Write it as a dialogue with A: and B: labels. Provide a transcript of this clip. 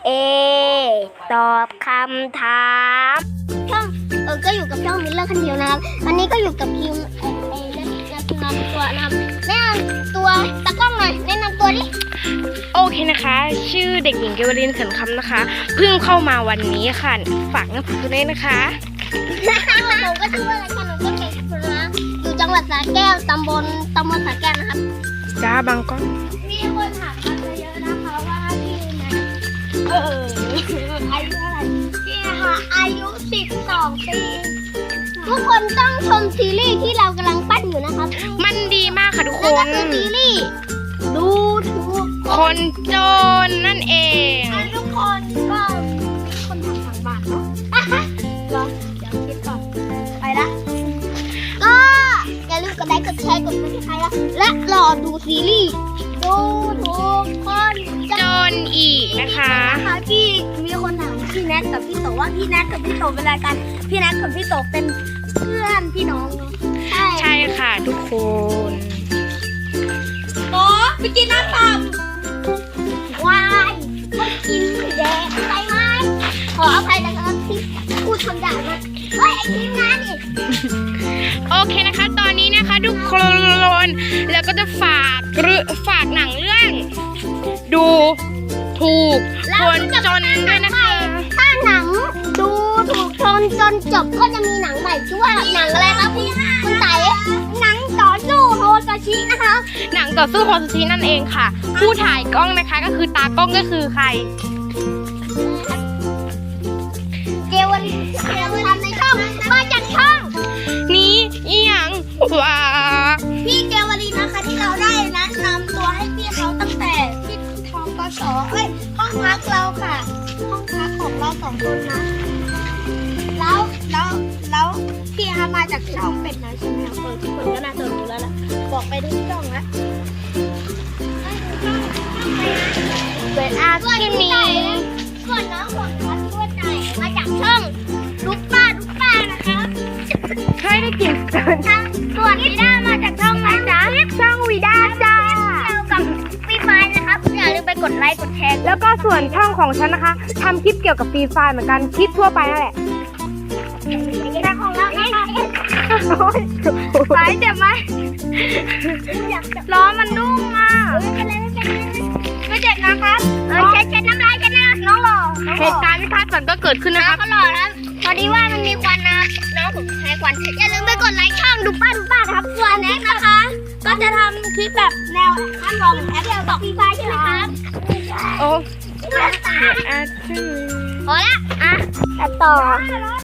A: ตอบคำถามช่องก็อยู่กับช่องมิลเลอร์คนเดียวนะครับวันนี้ก็อยู่กับคิวแนะนำตัวนะครับแนะนำตัวตากล้องหน่อยแนะนำตัวดิ
B: โอเคนะคะชื่อเด็กหญิงเกวลินเขินคำนะคะเพิ่งเข้ามาวันนี้ค่ะฝากน้ำผึ้งด้วยนะคะ
A: หนูก็ชื่อว่าอะไรคะหนูก็เก่งสุดนะอยู่จังหวัดสระแก้วตำบลสระแก้วนะครับ
B: จ้าบางก้อน
A: มีคนถามมาเยอะนะคะว่าพี่นะอายุเท่าไหร่พี่นะคะอายุ12 ปีทุกคนต้องชมซีรีส์ที่เรากำลังปั้นอยู่นะครับ
B: มันดีมากค่ะทุกค
A: นนั่นก็คือซีรีส์ดูถูก
B: คนจนนั่นเอง
A: ทุกคนก็มีคนทำทางบ้านเนาะรอเดี๋ยวคิดก่อนไปละก็อย่าลืมกดไลค์กดแชร์กดติดตามและรอดูซีรีส์ดูถูกคน
B: จนอีกนะคะ
A: พี่มีคนถามพี่แนทกับพี่โตว่าพี่แนทกับพี่โตเป็นอะไรกันพี่แนทกับพี่โตเป็นเพื่อนพี่น้องเนาะ
B: ใช่ค่ะทุกคน
A: โอ้ไปกินน้ำปั่นวายไม่กินแดงไปไหมขออภัยนะครับที่พูดคำด่ามาเฮ้ยไอ้ทีมงานนี่
B: โอเคนะคะตอนนี้นะคะทุกคนแล้วก็จะฝากหนังเรื่องดูถูกคนจนด้วยนะคะ
A: ถ้าหนังดูถูกคนจนจบก็จะมีหนังใหม่ชื่อว่าหนังอะไรครับคุณไต่หนังต่อสู้โฮซาชินะคะ
B: หนังต่อสู้โฮซาชินั่นเองค่ะผู้ถ่ายกล้องนะคะก็คือตากล้องก็คือใคร
A: เกวลินทำในช่องมาจากช่อง
B: นี้อีหยังว้า
A: พี่เกวลินนะคะที่เราได้แนะนำตัวให้พี่เขาตั้งแต่ที่ทองกสห้องพักเราค่ะห้องพักของเรา2 คนนะแล้วพี่ฮามาจากช่องเป็ดนะใช่ไหมคะทุกคนก็น่าจะรู้แล้วล่ะบอกไปทุกช่องแล้ว
B: เป็นอาร์ตมี
A: ส่วนน้องของเราตัวใจมาจากช่องลูกป้านะคะ
B: เคยได้กิน
A: ส่วนวีด้ามาจากช่องอะไรจ๊ะ
B: ช่องวีด้าจ้า
A: เกี่ยวกับฟรีไฟนะครับอย่าลืมไปกดไลค์กดแชร์
B: แล้วก็ส่วนช่องของฉันนะคะทำคลิปเกี่ยวกับฟรีไฟเหมือนกันคลิปทั่วไปนั่นแหละ
A: แต่ของเราสายเจ็บไหมล้อมันนุ่มมากไม่เจ็บนะครับเช็ดน้ำลายกันนะน้องหล่อ
B: เหตุการณ์ไม่คาดฝันก็เกิดขึ้นนะครับ
A: ก็หล่อแล้วพอดีว่ามันมีควันนะน้องผมใช้ควันอย่าลืมไปกดไลค์ช่องดูป้าครับส่วนแน็กนะคะก็จะทำคลิปแบบแนวอันลองแอปเดียวกับฟรีไฟใช่ไหมครับ
B: โอ้
A: พอละตัดต่อ